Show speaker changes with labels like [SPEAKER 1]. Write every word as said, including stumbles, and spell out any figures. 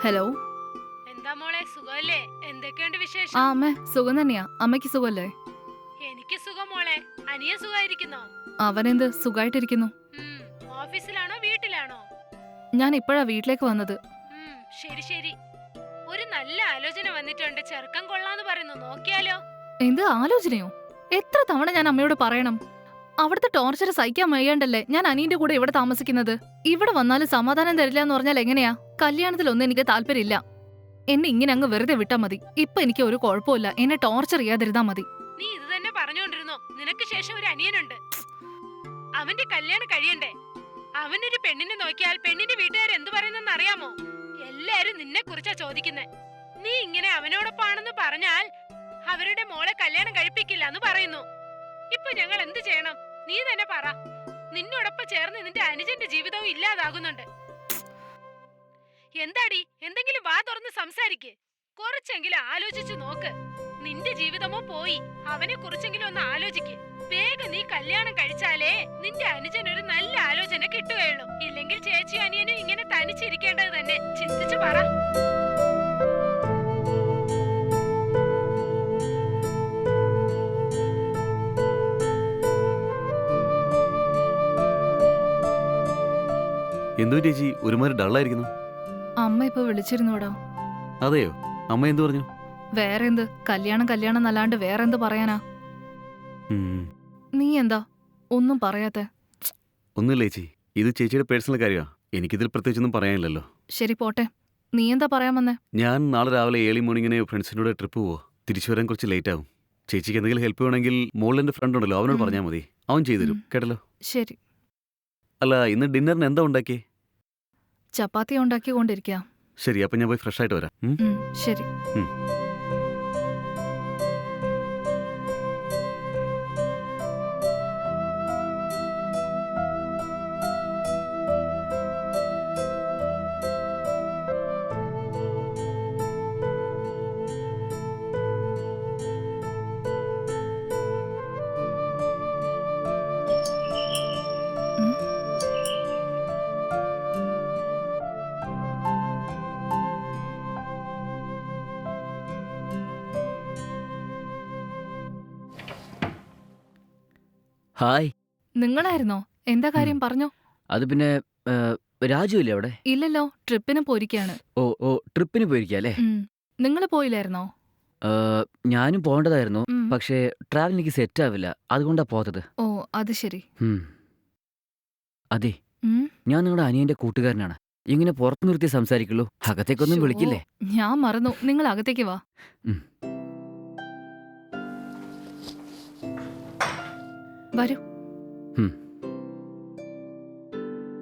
[SPEAKER 1] Hello.
[SPEAKER 2] എന്താ മോളെ, സുഖല്ലേ? എന്തൊക്കെയുണ്ട്
[SPEAKER 1] ആ
[SPEAKER 2] വിശേഷം?
[SPEAKER 1] അമ്മേ, സുഖം തന്നെയാ. അമ്മയ്ക്ക് സുഖല്ലേ?
[SPEAKER 2] എനിക്ക് സുഖം മോളെ. അനിയ സുഖായിരിക്കുന്നോ?
[SPEAKER 1] അവനെന്ത് സുഖായിട്ടിരിക്കുന്നു.
[SPEAKER 2] ഉം, ഓഫീസിലാണോ വീട്ടിലാണോ?
[SPEAKER 1] ഞാൻ ഇപ്പോഴാ വീട്ടിലേക്ക് വന്നത്.
[SPEAKER 2] ഉം, ശരി ശരി. ഒരു നല്ല ആലോചന വന്നിട്ടുണ്ട്. ചെറുക്കം കൊള്ളാന്ന് പറയുന്നു, നോക്കിയാലോ?
[SPEAKER 1] എന്ത് ആലോചനയോ? എത്ര തവണ ഞാൻ അമ്മയോട് പറയണം? അവിടുത്തെ ടോർച്ചർ സഹിക്കാൻ വയ്യാണ്ടല്ലേ ഞാൻ അനിയന്റെ കൂടെ ഇവിടെ താമസിക്കുന്നത്. ഇവിടെ വന്നാലും സമാധാനം തരില്ല എന്ന് പറഞ്ഞാൽ എങ്ങനെയാ? കല്യാണത്തിലൊന്നും എനിക്ക് താല്പര്യമില്ല. എന്നെ ഇങ്ങനെ അങ്ങ് വെറുതെ വിട്ടാ മതി. ഇപ്പൊ എനിക്ക് ഒരു കുഴപ്പമില്ല. എന്നെ ടോർച്ചർ ചെയ്യാതിരുന്നാ മതി.
[SPEAKER 2] നീ ഇത് തന്നെ പറഞ്ഞോണ്ടിരുന്നോ? നിനക്ക് ശേഷം ഒരു അനിയനുണ്ട്. അവന്റെ കല്യാണം കഴിയണ്ടേ? അവനൊരു പെണ്ണിനെ നോക്കിയാൽ പെണ്ണിന്റെ വീട്ടുകാർ എന്തു പറയുന്നെന്ന് അറിയാമോ? എല്ലാരും നിന്നെ കുറിച്ചാ ചോദിക്കുന്നേ. നീ ഇങ്ങനെ അവനോടൊപ്പാണെന്ന് പറഞ്ഞാൽ അവരുടെ മോളെ കല്യാണം കഴിപ്പിക്കില്ല എന്ന് പറയുന്നു. ഇപ്പൊ ഞങ്ങൾ എന്ത് ചെയ്യണം? നീ തന്നെ പറ. നിന്നോടൊപ്പം ചേർന്ന് നിന്റെ അനുജന്റെ ജീവിതവും ഇല്ലാതാകുന്നുണ്ട്. എന്താടി, എന്തെങ്കിലും വാ തുറന്ന് സംസാരിക്ക്. കുറച്ചെങ്കിലും ആലോചിച്ചു നോക്ക്. നിന്റെ ജീവിതമോ പോയി, അവനെ കുറിച്ചെങ്കിലും ഒന്ന് ആലോചിക്ക്. വേഗം നീ കല്യാണം കഴിച്ചാലേ നിന്റെ അനുജൻ ഒരു നല്ല ആലോചന കിട്ടുകയുള്ളൂ. ഇല്ലെങ്കിൽ ചേച്ചി അനിയനും ഇങ്ങനെ തനിച്ചിരിക്കേണ്ടത് തന്നെ. ചിന്തിച്ചു പറ.
[SPEAKER 3] എന്തോ ചേച്ചി ഒരുമാതിരി ഡള്ളായിരിക്കുന്നു.
[SPEAKER 1] അമ്മ ഇപ്പൊ വിളിച്ചിരുന്നോടാ.
[SPEAKER 3] അതെയോ? അമ്മ എന്തു പറഞ്ഞു?
[SPEAKER 1] വേറെ എന്ത്, കല്യാണം കല്യാണം എന്നല്ലാണ്ട് വേറെന്ത് പറയാനാ?
[SPEAKER 3] ഉം.
[SPEAKER 1] നീ എന്താ ഒന്നും പറയാത്തെ?
[SPEAKER 3] ഒന്നുമില്ല ചേച്ചി, ഇത് ചേച്ചിയുടെ പേഴ്സണൽ കാര്യമാണ്. എനിക്കിതിൽ പ്രത്യേകിച്ചൊന്നും പറയാനില്ലല്ലോ.
[SPEAKER 1] ശരി പോട്ടെ, നീ എന്താ പറയാൻ വന്നേ?
[SPEAKER 3] ഞാൻ നാളെ രാവിലെ ഏർലി മോർണിംഗിന് ഫ്രണ്ട്സിനോട് ട്രിപ്പ് പോവാ. തിരിച്ചു വരാൻ കുറച്ച് ലേറ്റ് ആവും. ചേച്ചിക്ക് എന്തെങ്കിലും ഹെൽപ്പ് വേണമെങ്കിൽ മോളിൽ എൻ്റെ ഫ്രണ്ട് ഉണ്ടല്ലോ, അവനോട്
[SPEAKER 1] ഉം.
[SPEAKER 3] പറഞ്ഞാൽ മതി. അവൻ ചെയ്തുതരും.
[SPEAKER 1] ഉം.
[SPEAKER 3] കേട്ടല്ലോ?
[SPEAKER 1] ശരി.
[SPEAKER 3] അല്ല, ഇന്ന് ഡിന്നറിന് എന്താ ഉണ്ടാക്കിയേ?
[SPEAKER 1] ചപ്പാത്തി ഉണ്ടാക്കിക്കൊണ്ടിരിക്കുക.
[SPEAKER 3] ശരി, അപ്പം ഞാൻ പോയി ഫ്രഷ് ആയിട്ട് വരാം. ഉം?
[SPEAKER 1] ഉം, ശരി.
[SPEAKER 3] ഉം.
[SPEAKER 1] ഉം.
[SPEAKER 4] ഹായ്.
[SPEAKER 1] നിങ്ങളായിരുന്നോ? എന്താ കാര്യം പറഞ്ഞോ?
[SPEAKER 4] അത് പിന്നെ രാജു ഇല്ലേ അവിടെ?
[SPEAKER 1] ഇല്ലല്ലോ, ട്രിപ്പിന് പോയിരിക്കാണ്.
[SPEAKER 4] ഓ ഓ ട്രിപ്പിന് പോയിരിക്കുക അല്ലേ?
[SPEAKER 1] നിങ്ങൾ പോയില്ലായിരുന്നോ?
[SPEAKER 4] ഞാനും പോകേണ്ടതായിരുന്നു,
[SPEAKER 1] ഉം.
[SPEAKER 4] പക്ഷേ ട്രാവൽ എനിക്ക് സെറ്റ് ആവില്ല, അതുകൊണ്ടാ പോത്തത്.
[SPEAKER 1] ഓ അത് ശരി.
[SPEAKER 4] ഉം. അതെ,
[SPEAKER 1] ഉം.
[SPEAKER 4] ഞാൻ നിങ്ങളുടെ അനിയന്റെ കൂട്ടുകാരനാണ്. ഇങ്ങനെ പുറത്തു നിർത്തി സംസാരിക്കുള്ളൂ, അകത്തേക്കൊന്നും
[SPEAKER 1] ശോ,
[SPEAKER 4] വിളിക്കില്ലേ?
[SPEAKER 1] ഞാൻ മറന്നു. നിങ്ങൾ അകത്തേക്ക് വാ.
[SPEAKER 4] ഉം.
[SPEAKER 1] വരൂ.
[SPEAKER 4] ഉം.